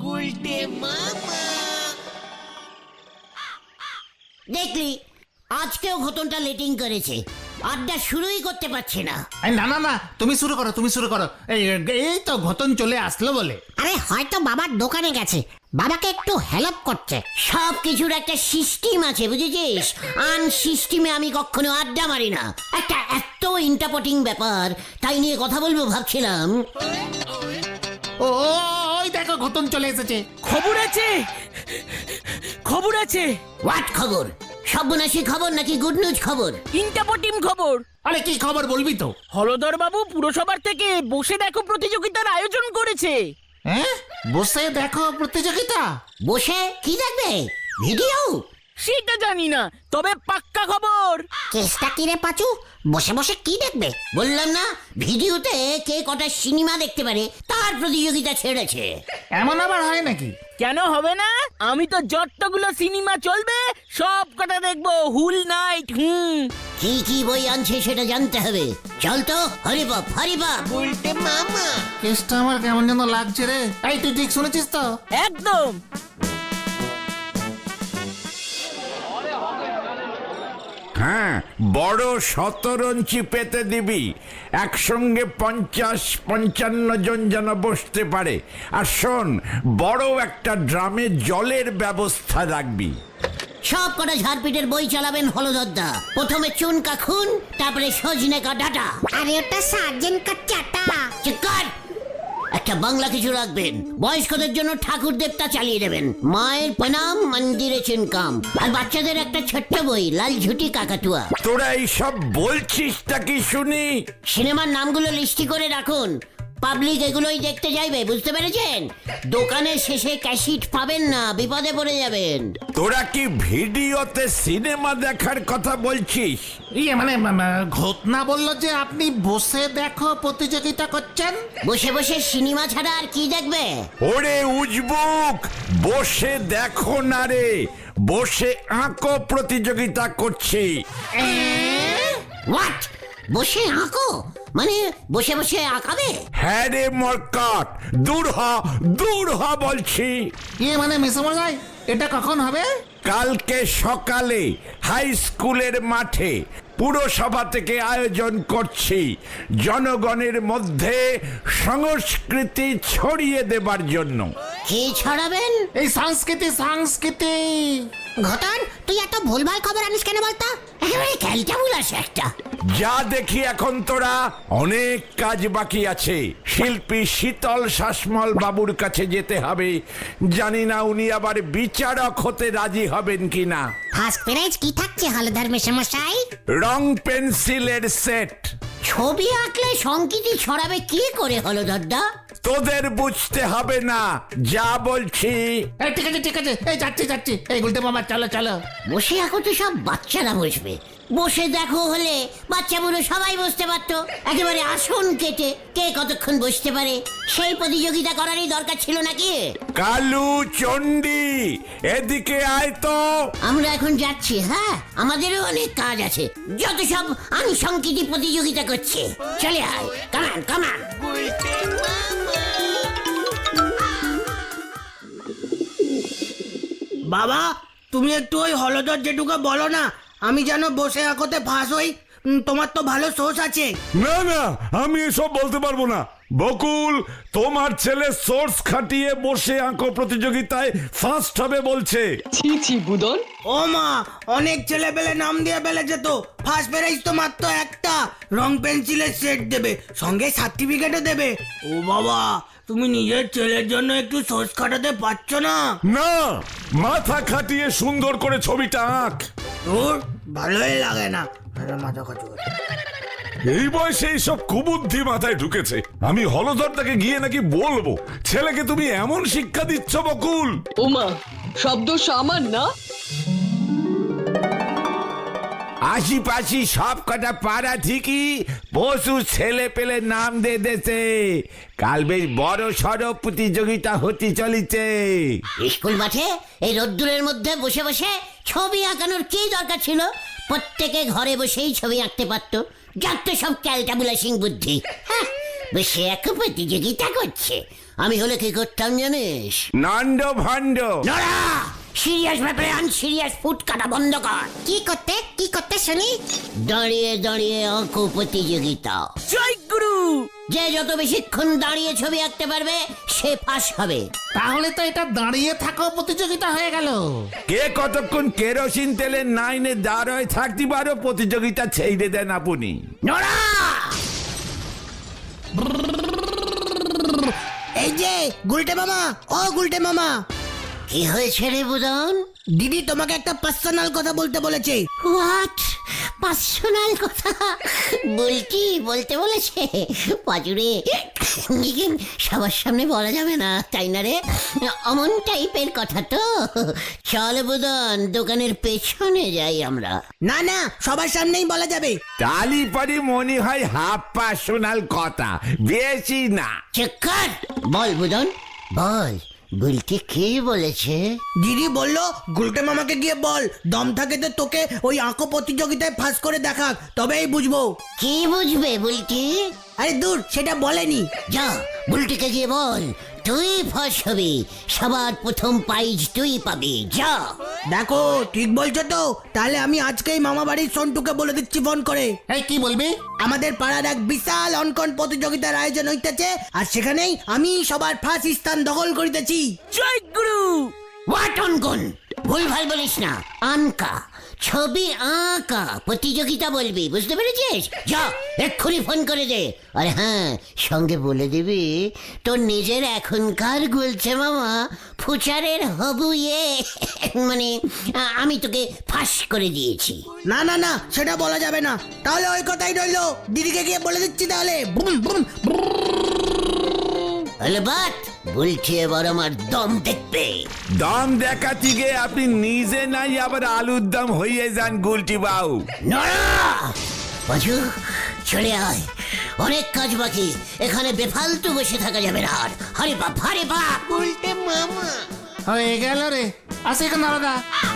দেখলি আজকেও ঘটনটা লেটিং করেছে, আড্ডা শুরুই করতে পারছে না। না না না, তুমি শুরু করো, তুমি শুরু করো। এই তো ঘটন চলে আসলো বলে। আরে হয়তো বাবার দোকানে গেছে, বাবাকে একটু হেল্প করছে। সব কিছুর একটা সিস্টেম আছে বুঝেছিস, আন সিস্টেমে আমি কখনো আড্ডা মারি না। একটা এত ইন্টারপটিং ব্যাপার, তাই নিয়ে কথা বলবো ভাবছিলাম। ও ওই দেখো ঘটন চলে এসেছে। খবর আছে, খবর আছে। হোয়াট খবর? সর্বনাশী খবর নাকি গুড নিউজ খবর? ইন্টাপটিম খবর। আরে কি খবর বলবি তো? হলদর বাবু পুরসভার থেকে বসে দেখো প্রতিযোগিতার আয়োজন করেছে। হ্যাঁ, বসে দেখো প্রতিযোগিতা। বসে কি দেখবে? ভিডিও? সেটা জানি না, তবে পাক্কা খবর। চেষ্টা কি রে পাচু, বসে বসে কি দেখবে? বললাম না, ভিডিওতে কে কটা সিনেমা দেখতে পারে তার প্রতিযোগিতা ছেড়েছে। এমন আবার হয় নাকি? কেন হবে না? আমি তো যতগুলো সিনেমা চলবে সব কটা দেখবো, হুল নাইট। কি কি বই আনছে সেটা জানতে হবে। চল তো, হরি বাপ হরি বাপ। উল্টে মামা। কেসটা আমার কেমন যেন লাগছে রে। এই তুই ঠিক শুনেছিস তো? একদম। হ্যাঁ, বড় শতরঞ্চি পেতে দিবি, একসঙ্গে 50-55 জন যেন বসতে পারে। আর শোন, বড় একটা ড্রামে জলের ব্যবস্থা রাখবি। সব কটা ঝাড়পিটের বই চালাবেন হলদরদা। প্রথমে চুনকা খুন, তারপরে সজনে কা ডাটা। আরে ওটা সার্জেন্ট কা চাটা। চিৎকার! একটা বাংলা কিছু রাখবেন। বয়স্কদের জন্য ঠাকুর দেবতা চালিয়ে দেবেন, মায়ের প্রণাম মন্দিরে চিনকাম। আর বাচ্চাদের একটা ছোট্ট বই, লাল ঝুটি কাকাতুয়া। তোরা এইসব বলছিসটা কি শুনি? সিনেমার নামগুলো লিস্টি করে রাখুন, পাবলিক এগুলোই দেখতে যাইবে, বুঝতে পেরেছেন? দোকানের শেষে ক্যাসেট পাবেন না, বিপদে পড়ে যাবেন। তোরা কি ভিডিওতে সিনেমা দেখার কথা বলছিস? ইয়ে মানে ঘটনা বললো যে আপনি বসে দেখো প্রতিযোগিতা করছেন। বসে বসে সিনেমা ছাড়া আর কি দেখবে? ওরে উজবুক, বসে দেখো না রে, বসে আঁকো প্রতিযোগিতা করছি। হোয়াট? বসে আঁকো মানে বসে বসে আঁকাবে? হ্যাঁ রে মরকট, দূর হ বলছি। ইয়ে মানে মেসমশাই, এটা কখন হবে? কালকে সকালে হাই স্কুলের মাঠে পুরসভা থেকে আয়োজন করছি, জনগণের মধ্যে সংস্কৃতি ছড়িয়ে দেবার জন্য। কি ছড়াবেন? এই সংস্কৃতি। ঘটন, তুই এত ভুলভাল খবর আনিস কেন বলতো? একেবারে ক্যালটাবুল আছে একটা। যা দেখি এখন তোরা, অনেক কাজ বাকি আছে। শিল্পী শীতল শাসমল বাবুর কাছে যেতে হবে, জানি না উনি আবার বিচারক হতে রাজি হবেন কিনা। ফার্স্ট প্রাইজ কি থাকছে হলধর মেশামশাই? রং পেন্সিলের সেট। ছবি আঁকলে সংকৃতি ছড়াবে কি করে হলদরদা? তোদের বুঝতে হবে না, যা বলছি। এই ঠিক আছে, এই যাচ্ছি। এই গুলটে মামা চলো। বসে আঁকো তো সব বাচ্চারা বসবে, বসে দেখো হলে বাচ্চা বুড়ো সবাই বসতে পারতো। একেবারে আসন কেটে কে কতক্ষণ বসতে পারে সেই প্রতিযোগিতা করারই দরকার ছিল নাকি? কালু, চণ্ডী, এদিকে আয় তো। আমরা এখন যাচ্ছি। হ্যাঁ, আমাদেরও অনেক কাজ আছে, যত সব আনুষঙ্গিক প্রতিযোগিতা করছে। চলে আয়, কামান। বাবা, তুমি একটু ওই হলদর জেঠুকে বলো না, আমি যেন বসে আঁকোতে ফাঁস হই। তোমার তো ভালো সোর্স আছে। না, আমি এসব বলতে পারবো না। বকুল, তোমার ছেলে সোর্স খাটিয়ে বসে আঁকো প্রতিযোগিতায় ফার্স্ট হবে বলছে। ছি বুদন। ও মা, অনেক ছেলে পেলে নাম দিয়ে ফেলেছে তো। ফার্স্ট প্রাইজ তো মাত্র একটা, রং পেন্সিলের সেট দেবে, সঙ্গে সার্টিফিকেটও দেবে। ও বাবা, তুমি নিজের ছেলের জন্য একটু সোর্স খাটাতে পারছো না? না, মাথা খাটিয়ে সুন্দর করে ছবিটা আঁক। তোর ভালোই লাগে না মাথা খাচু। এই বয়সে এইসব কুবুদ্ধি মাথায় ঢুকেছে। আমি হলধরটাকে গিয়ে নাকি বলবো ছেলেকে তুমি এমন শিক্ষা দিচ্ছ বকুল। ওমা, শব্দ সামান না। আশিপাশি সব কটা পাড়া ঠিকই পশু ছেলে পেলে নাম দিয়ে দেছে। কাল বেশ বড় সড়ো প্রতিযোগিতা হতে চলেছে। স্কুল মাঠে এই রোদ্দুরের মধ্যে বসে বসে ছবি আঁকানোর কি দরকার ছিল? প্রত্যেকে ঘরে বসেই ছবি আঁকতে পারতো। যত সব ক্যালটাবুলাসিং বুদ্ধি। হ্যাঁ, বসে এক প্রতিযোগিতা করছে। আমি হলে কি করতাম জানিস? নন্দ ভণ্ড। নড়া, সিরিয়াস ব্যাপারে আনসিরিয়াস ফুট কাটা বন্ধ কর। কি করতে শুনি? দাঁড়িয়ে দাঁড়িয়ে অঙ্ক প্রতিযোগিতা। জয় গুরু। যে যত বেশিক্ষণ দাঁড়িয়ে ছবি আঁকতে পারবে সে পাস হবে। তাহলে তো এটা দাঁড়িয়ে থাকো প্রতিযোগিতা হয়ে গেল। কে কতক্ষণ কেরোসিন তেলের নাইনে দাঁড় হয়ে থাকতে পারো প্রতিযোগিতা ছেড়ে দেন আপনি। নড়া, এই যে গুলটে মামা, ও গুলটে মামা, কি হয়েছে রে বুদন? দিদি তোমাকে একটা পার্সোনাল কথা বলতে বলেছে। হোয়াট? পার্সোনাল কথা বলতে বলেছে? পাজুরে, সবার সামনে বলা যাবে না তাই না রে? অমন টাইপের কথা তো। চল বুদন, দোকানের পেছনে যাই আমরা। না না, সবার সামনেই বলা যাবে। তালি পরে মনে হয় হাফ পার্সোনাল কথা, বেশি না। চক্কর, বল বুদন বল, বলতে কি বলেছে? দিদি বললো গুলটে মামাকে গিয়ে বল, দম থাকে তো তোকে ওই আঁকো প্রতিযোগিতায় ফাঁস করে দেখাক, তবেই বুঝবো। কি বুঝবে বুলটি? আরে দূর, সেটা বলেনি। যা বুলটিকে গিয়ে বল তুই ফাঁস হবি, সবার প্রথম প্রাইজ তুই পাবি। যা। দেখো ঠিক বলছো তো? তাহলে আমি আজকেই মামা বাড়ির সন্টুকে বলে দিচ্ছি ফোন করে। এই কি বলবি? আমাদের পাড়ার এক বিশাল অঙ্কন প্রতিযোগিতার আয়োজন হইতেছে, আর সেখানেই আমি সবার ফার্স্ট স্থান দখল করিতেছি। জয় গুরু। হোয়াট অঙ্কন? ভুলভাল বলিস না। আঁকা, ছবি আঁকা প্রতিযোগিতা বলবি, বুঝতে পেরেছিস? যা এক্ষুনি ফোন করে দে। আর হ্যাঁ, সঙ্গে বলে দিবি তোর নিজের এখনকার গুলছে মামা ফুচারের হবু মানে আমি তোকে ফাঁস করে দিয়েছি। না না না, সেটা বলা যাবে না। তাহলে ওই কথাই রইলো, দিদিকে গিয়ে বলে দিচ্ছি তাহলে। Boom boom. হলে বাট বলছি এবার আমার দম দেখবে। দম দেখাতে গিয়ে আপনি নিজে নাই আবার আলুর দম হয়ে যান গুলটি বাবু। নড়া, বাজু চলে আয়, অনেক কাজ বাকি, এখানে বেফালতু বসে থাকা যাবে না আর। হরে বাপ, হরে বাপ। উল্টে মামা হয়ে গেল রে। আসে কেন দাদা?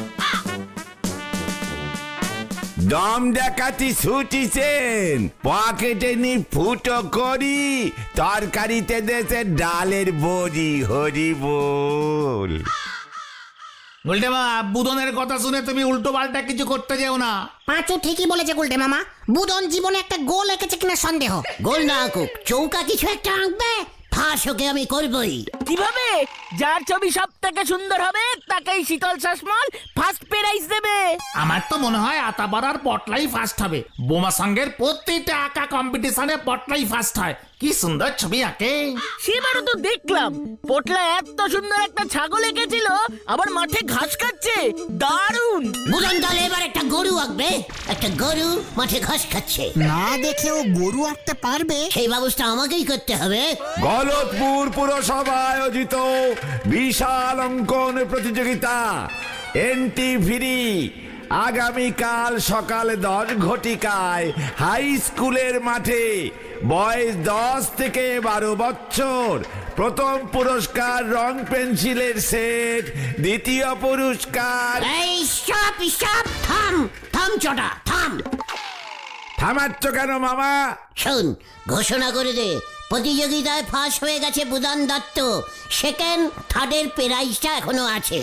দম দেখাতে ছুটিছেন, পকেটে নি ফুটো করি, তরকারিতে দেশে ডালের বড়ি। হরি বল। বলতে মা, বুদনের কথা শুনে তুমি উল্টো পাল্টা কিছু করতে যেও না। পাঁচু ঠিকই বলেছে গুলটে মামা, বুদন জীবনে একটা গোল এঁকেছে কিনা সন্দেহ। গোল না আঁকুক, চৌকা কিছু একটা আঁকবে, ফাঁস ওকে আমি করবই। কিভাবে? যার ছবি সব থেকে সুন্দর হবে তাকেই শীতল শাসমল ফার্স্ট প্রাইজ দেবে। আমার তো মনে হয় আতাপাড়ার পটলাই ফার্স্ট হবে। বোমা সঙ্গের প্রত্যেকটা আঁকা কম্পিটিশনে পটলাই ফার্স্ট হয়। কি সুন্দর ছবি আঁকে। সেবারও তো দেখলাম পোটলা এত সুন্দর একটা ছাগল এঁকেছিল, আবার মাঠে ঘাস খাচ্ছে, দারুণ। বুদন দল এবার একটা গরু আঁকবে, একটা গরু মাঠে ঘাস খাচ্ছে। না দেখেও গরু আঁকতে পারবে? সেই ব্যবস্থা আমাকেই করতে হবে। গলতপুর পুরসভা আয়োজিত বিশাল অঙ্কন প্রতিযোগিতা এন্টি ফ্রি, আগামীকাল সকাল 10 ঘটিকায় হাই স্কুলের মাঠে। বয়স 10 থেকে 12 বছর। প্রথম পুরস্কার রং পেন্সিলের সেট, দ্বিতীয় পুরস্কার। এই স্টপ স্টপ, থাম থাম চটা থাম। থামাচ্ছ কেন মামা? শোন, ঘোষণা করে দে প্রতিযোগিতায় ফাঁস হয়ে গেছে বুদান দত্ত, সেকেন্ড থার্ডের প্রাইজটা এখনো আছে।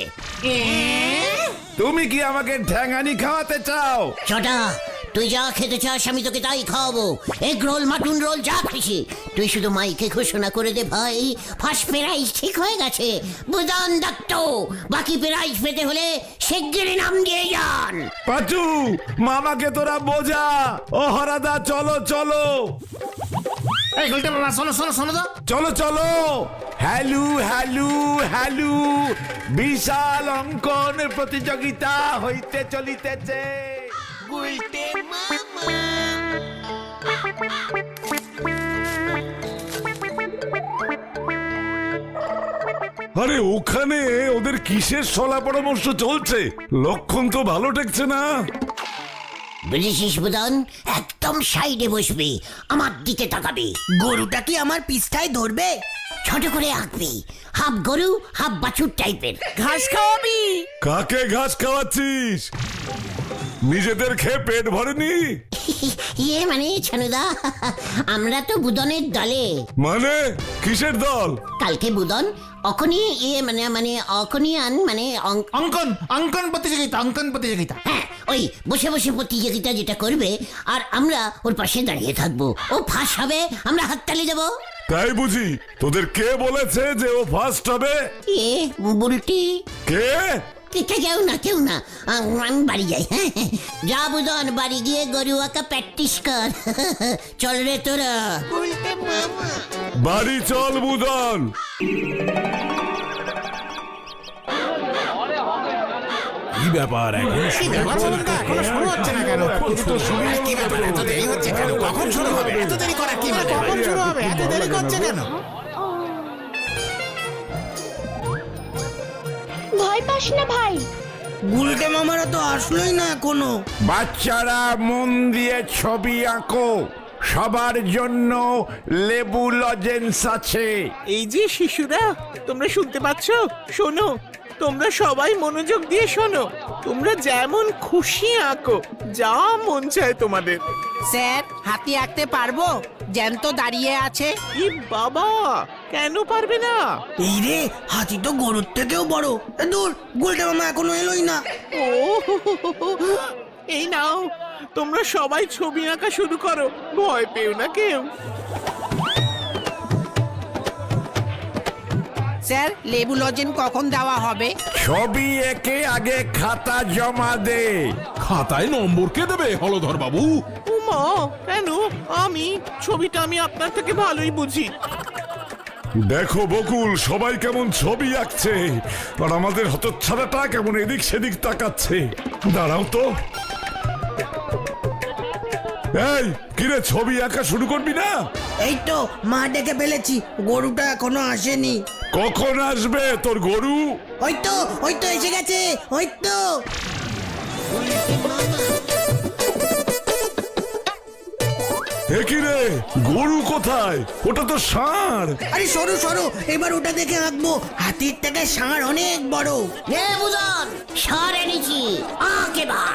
তুমি কি আমাকে ঠ্যাঙানি খাওয়াতে চাও? চটা, তুই যা খেতে চাস আমি তোকে তাই খাওয়াবো। এগ রোল, মাটন রোল, যা খুশি। তুই শুধু মাইকে ঘোষণা করে দে ভাই ফার্স্ট প্রাইজ ঠিক হয়ে গেছে বুদান দত্ত। বাকি প্রাইজ পেতে হলে শিগগিরই নাম দিয়ে যান। পাচু, মামাকে তোরা বোঝা। ও হরাদা, চলো চলো এই গুলটে মামা, শোনো শোনো শোনো তো। চলো চলো। হ্যালু হ্যালু হ্যালু, বিশাল অঙ্কন প্রতিযোগিতা হইতে চলিতেছে। আরে ওখানে ওদের কিসের সলা পরামর্শ চলছে? লক্ষণ তো ভালো ঠেকছে না। বুঝেছিস বুদান, একদম সাইডে বসবি, আমার দিকে তাকাবি। গরুটা কি আমার পিছটায় ধরবে? ছোট করে আঁকবি, হাফ গরু হাফ বাছুর টাইপের। ঘাস খাওয়াবি? কাকে ঘাস খাওয়াচ্ছিস? নিজেদের খেয়ে পেট ভরেনি? ইয়ে মানে ছানুদা, আমরা তো বুদনের দলে। মানে কিসের দল? কালকে বুদন অখনি ইয়ে মানে মানে অখনিয়ান মানে অঙ্কন অঙ্কন প্রতিযোগিতা, অঙ্কন প্রতিযোগিতা। হ্যাঁ, ওই বসে বসে প্রতিযোগিতা যেটা করবে আর আমরা ওর পাশে দাঁড়িয়ে থাকবো। ও ফাঁস হবে, আমরা হাততালি দেবো। তাই বুঝি? তোদের কে বলেছে যে ও ফার্স্ট হবে? এ বুলটি কে? কেউ না আমি বাড়ি যাই। হ্যাঁ যা বুদন, বাড়ি গিয়ে গরু আঁকা প্র্যাকটিস কর। চল রে তোরা। বাড়ি চল বুদন। কি ব্যাপার এখন? এখনো শুরু হচ্ছে না কেন? কি ব্যাপার, এত দেরি হচ্ছে কেন? কখন শুরু হবে? এত দেরি করা কি মানে? কখন শুরু হবে? এত দেরি করছে কেন? ভয় পাস না ভাই, গুলটে মামারা তো আসলোই না এখনো। বাচ্চারা মন দিয়ে ছবি আঁকো, সবার জন্য লেবু লজেন্স আছে। এই যে শিশুরা, তোমরা শুনতে পাচ্ছ? শোনো, তোমরা সবাই মনোযোগ দিয়ে শোনো। তোমরা যেমন খুশি আঁকো, যা মন চায় তোমাদের। স্যার, হাতি আঁকতে পারবো? জ্যান্ত দাঁড়িয়ে আছে। ই বাবা, কেন পারবে না? এই রে, হাতি তো গরুর থেকেও বড়। দূর, গুলটে মামা এখনো এলোই না। ও এই নাও, তোমরা সবাই ছবি আঁকা শুরু করো, ভয় পেও না কেউ। স্যার, লেবু লজেন কখন দেওয়া হবে? ছবি এঁকে আগে খাতা জমা দে। খাতায় নম্বর কে দেবে হলধর বাবু? উমা, কেন? ছবিটা আমি আপনার থেকে ভালোই বুঝি। দেখো বকুল, সবাই কেমন ছবি আঁকছে আর আমাদের হতচ্ছাড়াটা কেমন এদিক সেদিক তাকাচ্ছে। দাঁড়াও তো। এই কিরে, ছবি আঁকা শুরু করবি না? এই তো মা ডেকে ফেলেছি, গরুটা এখনো আসেনি। কখন আসবে তোর গরু? ওই তো এসে গেছে, ওই তো। এ কি রে, গরু কোথায়? ওটা তো ষাঁড়। আরে সরো সরো, এবার ওটা দেখে আঁকবো। হাতির থেকে ষাঁড় অনেক বড়। এ বুদন, সর এনেছি, আঁক এবার।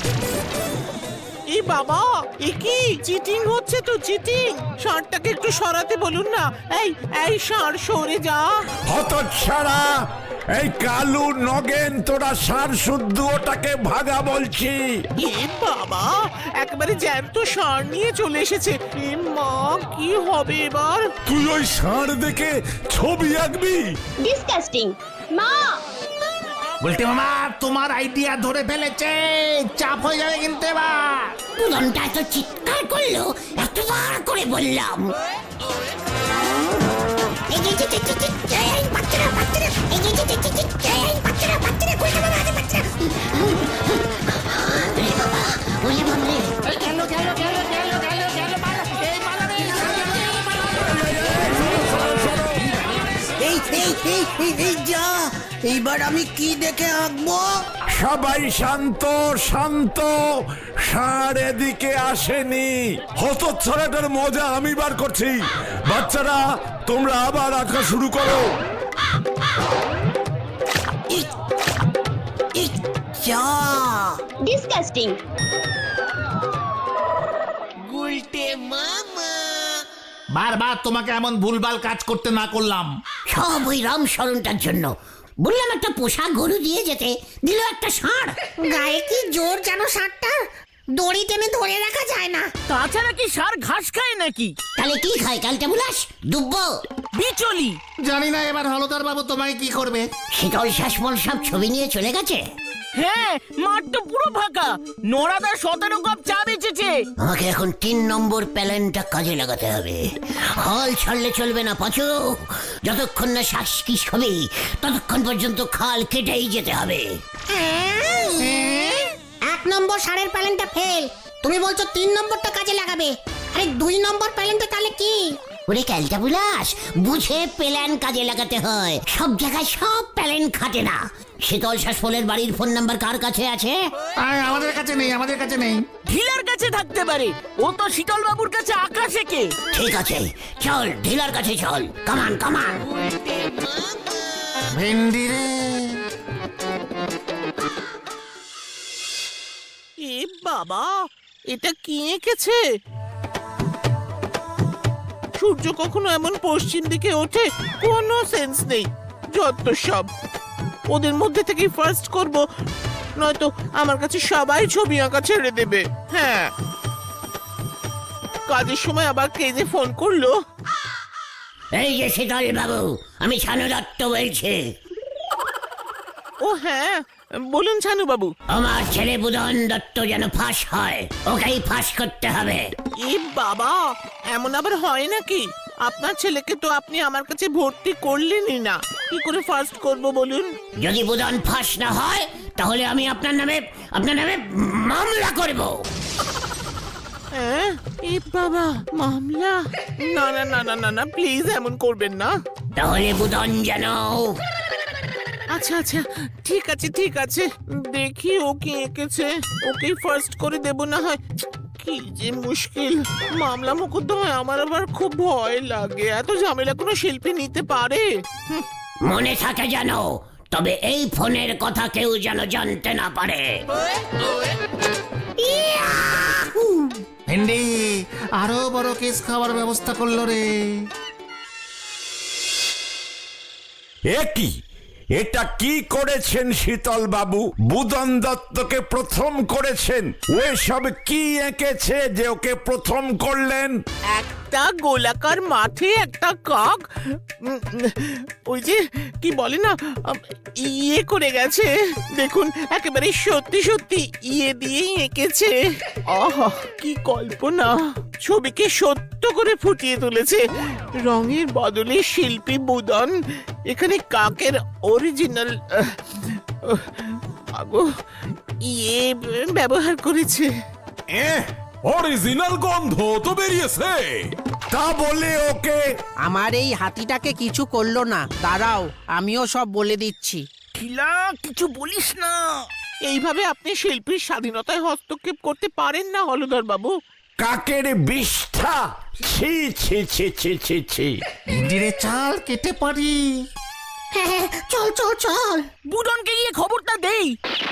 এই বাবা, এ কি চিটিং হচ্ছে তো, চিটিং। ষাঁড়টাকে একটু সরাতে বলুন না। এই ষাঁড়, সরে যা। হতচ্ছাড়া, এই কালু নগেন, তোরা সার শুদ্ধ ওটাকে ভাগা বলছি। এ বাবা, একেবারে জ্যান্ত ষাঁড় নিয়ে চলে এসেছে। এ মা, কি হবে এবার? তুই ওই ষাঁড় দেখে ছবি আঁকবি? ডিসকাস্টিং। মা, বলতে মামা, তোমার আইডিয়া ধরে ফেলেছে, চাপ হয়ে যাবে কিন্তু এবার। বুদনটা এত চিৎকার করলো, এতবার করে বললাম। এই যে, এই বাচ্চারা, এই যে, এই বাচ্চারা, গুলটে মামা, আরে বাচ্চারা। ওরে বাবা, ওরে বাবা রে। এই যা, এইবার আমি কি দেখে আঁকবো? সবাই শান্ত শান্ত, ষাঁড় এদিকে আসেনি। হতচ্ছাড়াটার মজা আমি বার করছি। বাচ্চারা, তোমরা আবার আঁকা শুরু করো। যা, ডিসকাস্টিং। বারবার তোমাকে এমন ভুলভাল কাজ করতে না করলাম। সব ওই রামশরণটার জন্য। বললাম একটা পোষা গরু দিয়ে যেতে, দিল একটা ষাঁড়। গায়ে কি জোর যেন ষাঁড়টা, দড়ি টেনে ধরে রাখা যায় না। তাছাড়া কি ষাঁড় ঘাস খায় নাকি? তাহলে কি খায় কালটা বুলাস? দুব্বো। বিচলি। জানি না এবার হলধর বাবু তোমায় কি করবে। শীতল শাসমল সব ছবি নিয়ে চলে গেছে। হ্যাঁ, মাঠ তো পুরো ফাঁকা। নোরাদা 17 কাপ চা বেচেছে। আমাকে এখন 3 নম্বর প্যালেনটা কাজে লাগাতে হবে। হল ছাড়লে চলবে না পাচু। যতক্ষণ না শ্বাস কি হবে ততক্ষণ পর্যন্ত খাল কেটেই যেতে হবে। 1 নম্বর ষাঁড়ের প্যালেনটা ফেল, তুমি বলছো 3 নম্বরটা কাজে লাগাবে। আরে 2 নম্বর প্যালেনটা তাহলে কি? ওরে ক্যালটা বুলাস, বুঝে প্যালেন কাজে লাগাতে হয়। সব জায়গায় সব প্যালেন খাটে না। শীতল শাসমলের বাড়ির ফোন নাম্বার কার কাছে আছে? আমাদের কাছে নেই, আমাদের কাছে নেই। ঢিলার কাছে থাকতে পারে, ও তো শীতল বাবুর কাছে আঁকা শেখে। ঠিক আছে, চল ঢিলার কাছে চল। কামান কামান। ভেন্ডি রে। এ বাবা, এটা কি এঁকেছে? সূর্য কখনো এমন পশ্চিম দিকে ওঠে, কোনো সেন্স নেই। যত সব, ওদের মধ্যে থেকেই ফার্স্ট করব, নয়তো আমার কাছে সবাই ছবি আঁকা ছেড়ে দেবে। হ্যাঁ, কাজের সময় আবার কে যে ফোন করলো? এই যে শীতল বাবু, আমি ছানু দত্ত বলছি। ও হ্যাঁ, বলুন ছানু বাবু। আমার ছেলে বুদন দত্ত যেন ফাঁস হয়, ওকেই ফাঁস করতে হবে। এ বাবা, এমন আবার হয় নাকি? আপনার ছেলেকে তো আপনি আমার কাছে ভর্তি করলেনই না, কি করে ফার্স্ট করব বলুন? যদি বুদন ফাঁস না হয় তাহলে আমি আপনার নামে মামলা করব। হ্যাঁ, এ বাবা, মামলা? না না না না না না, প্লিজ এমন করবেন না। তাহলে বুদন যেন আচ্ছা আচ্ছা, ঠিক আছে ঠিক আছে, দেখি ও কি এঁকেছে, ওকেই ফার্স্ট করে দেব না হয়। কি যে মুশকিল, মামলা মোকদ্দমায় আমার আবার খুব ভয় লাগে। এত ঝামেলা কোনো শিল্পী নিতে পারে? মনে থাকে যেন, তবে এই ফোনের কথা কেউ যেন জানতে না পারে। ভেন্ডি আরো বড় কেস খাওয়ার ব্যবস্থা করলো রে। একই, এটা কি করেছেন শীতল বাবু? বুদন দত্তকে প্রথম করেছেন, ও সব কি এঁকেছে যে ওকে প্রথম করলেন? একটা গোলাকার মাঠে একটা কাক, ওই যে কি বলে না, ইয়ে করে গেছে। দেখুন, একেবারে সত্যি সত্যি ইয়ে দিয়েই এঁকেছে। আহা, কি কল্পনা! ছবিকে সত্য করে ফুটিয়ে তুলেছে। রঙের বদলে শিল্পী বুদন এখানে কাকের অরিজিনাল ইয়ে ব্যবহার করেছে। অরিজিনাল গন্ধ তো বেরিয়েছে। তা বলে ওকে আমার এই হাতিটাকে কিছু করলো না, দাঁড়াও আমিও সব বলে দিচ্ছি। কিছু বলিস না। এইভাবে আপনি শিল্পীর স্বাধীনতায় হস্তক্ষেপ করতে পারেন না হলধর বাবু। কাকের বিষ্ঠা! ছি ছি ছি ছি ছি ছি। ভেন্ডিরে চাল কেটে পারি। হ্যাঁ, চল চল চল, বুদনকে গিয়ে খবরটা দেই।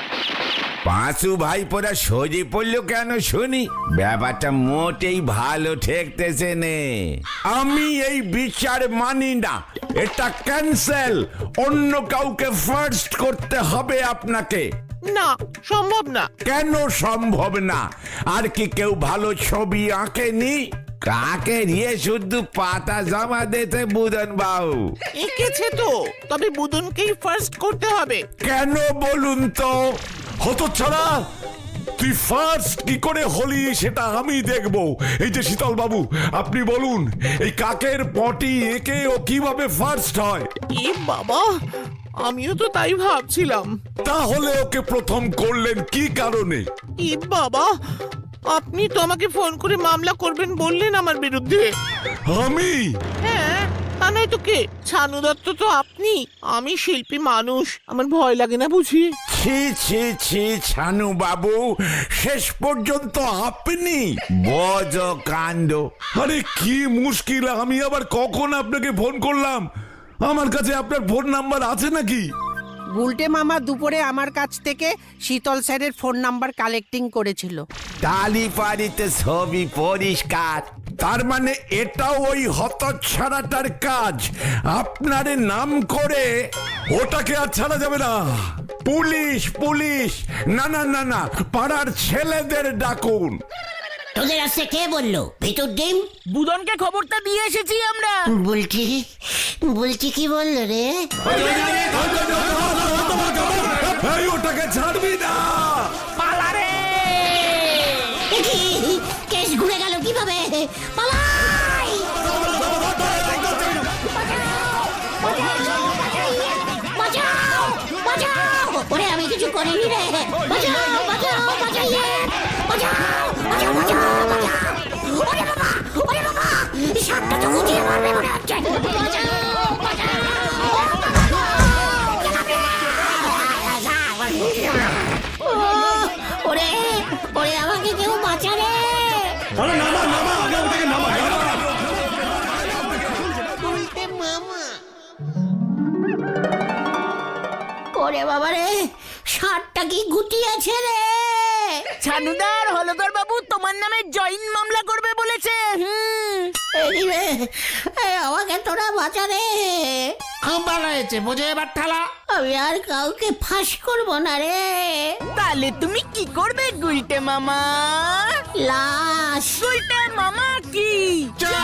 পাঁচু ভাই পরা সজি পড়লো কেন শুনি? ব্যাপারটা মোটেই ভালো ঠেকতেছে নে। আমি এই বিচার মানি না, এটা ক্যান্সেল। অন্য কাউকে ফার্স্ট করতে হবে আপনাকে। না, সম্ভব না। কেন সম্ভব না? আর কি কেউ ভালো ছবি আঁকেনি? কাকে নিয়ে শুধু পাতা জমা দিতে বুদন বাবু? এঁকেছে তো, তবে বুদনকেই ফার্স্ট করতে হবে। কেন বলুন তো? হতচ্ছাড়া, তুই ফার্স্ট কি করে হলি সেটা আমি দেখব। এই যে শীতল বাবু, আপনি বলুন, এই কাকের পটি এঁকে ও কিভাবে ফার্স্ট হয়? এ বাবা, আমিও তো তাই ভাবছিলাম। তাহলে ওকে প্রথম করলেন কি কারণে? এ বাবা, আপনি তো আমাকে ফোন করে মামলা করবেন বললেন আমার বিরুদ্ধে। আমি? হ্যাঁ, তা নয় তো কে? ছানু দত্ত তো আপনি, আমি শিল্পী মানুষ, আমার ভয় লাগে না বুঝি? ছি ছি ছি ছানু বাবু, শেষ পর্যন্ত আপনি বজ কাণ্ড। আরে কি মুশকিল, আমি আবার কখন আপনাকে ফোন করলাম? আমার কাছে আপনার ফোন নাম্বার আছে নাকি? গুলটে মামা দুপুরে আমার কাছ থেকে শীতল স্যারের ফোন নাম্বার কালেক্টিং করেছিল। তালি পারিতে ছবি পরিষ্কার। তার মানে এটা ওই হতচ্ছাড়াটার কাজ, আপনারে নাম করে। ওটাকে আর ছাড়া যাবে না। Police police! না না না না, পাড়ার ছেলেদের ডাকুন। তোদের আসছে কে বললো? ভিতর ডিম বুদনকে খবরটা দিয়ে এসেছি আমরা। বলছি বলছি কি বললো রে? এই, ওটাকে ছাড়বি না। এ কি? কেস ঘুরে গেল কিভাবে? পালাই! বাঁচাও! বাঁচাও! ওরে আমি কিছু করিনি রে! বাঁচাও! বাঁচাও! বাঁচাইয়ে! বাঁচাও! বাঁচাও! বাঁচাও! বাঁচাও! ওরে বাবা! ওরে বাবা! সাপটা তো গুটিয়ে মারবে মনে হচ্ছে! বাঁচাও! বাঁচাও! ওরে ওরে আমাকে কেউ বাঁচা রে! ওরে বাবা রে, ষাটটা কি গুটিয়েছে রে! ছানুদার হলদর বাবু তোমার নামে জয়েন মামলা করবে বলেছে। এই রে, এই আমাকে তোরা বাঁচা রে। খুব ভালো হয়েছে, বোঝো এবার ঠালা। আমি আর কাউকে ফাঁস করবো না রে। তাহলে তুমি কি করবে গুলটে মামা? লাশ। গুলটে মামা কি?